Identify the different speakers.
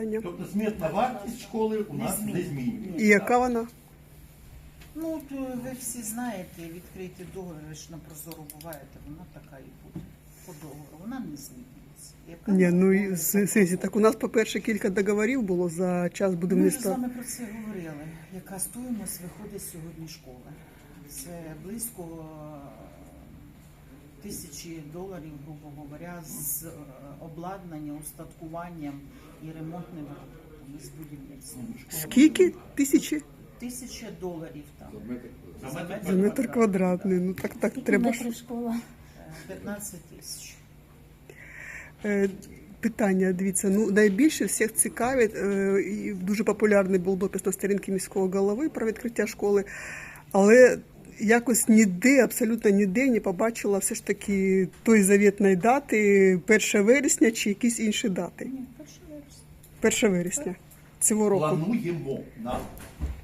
Speaker 1: питання.
Speaker 2: Тобто смітна вартість школи у нас не змінюється.
Speaker 1: І яка вона?
Speaker 3: Ну, то ви всі знаєте, відкриті договори ж на Прозоро буваєте, вона така і буде по договору, вона не змінюється. Яка
Speaker 1: Ні, ну
Speaker 3: вона
Speaker 1: і
Speaker 3: буде,
Speaker 1: сесії, так у нас, по-перше, кілька договорів було за час
Speaker 3: Ми вже з
Speaker 1: будівництва.
Speaker 3: вами про це говорили. Яка стоїмость виходить сьогодні школи? Це близько $1000, грубо говоря, з обладнанням, устаткуванням і ремонтним роботами з будівництвом.
Speaker 1: Скільки? Тисячі?
Speaker 3: $1000 там.
Speaker 1: За метр квадратний. Ну так треба ж.
Speaker 4: школа.
Speaker 3: 15 тисяч.
Speaker 1: Питання, дивіться, ну найбільше всіх цікавить, і дуже популярний був допис на сторінці міського голови про відкриття школи, але якось ніде, абсолютно ніде не побачила все ж таки той завітної дати 1 вересня чи якісь інші дати.
Speaker 3: Ні, 1 вересня.
Speaker 1: 1 вересня цього року.
Speaker 2: Плануємо на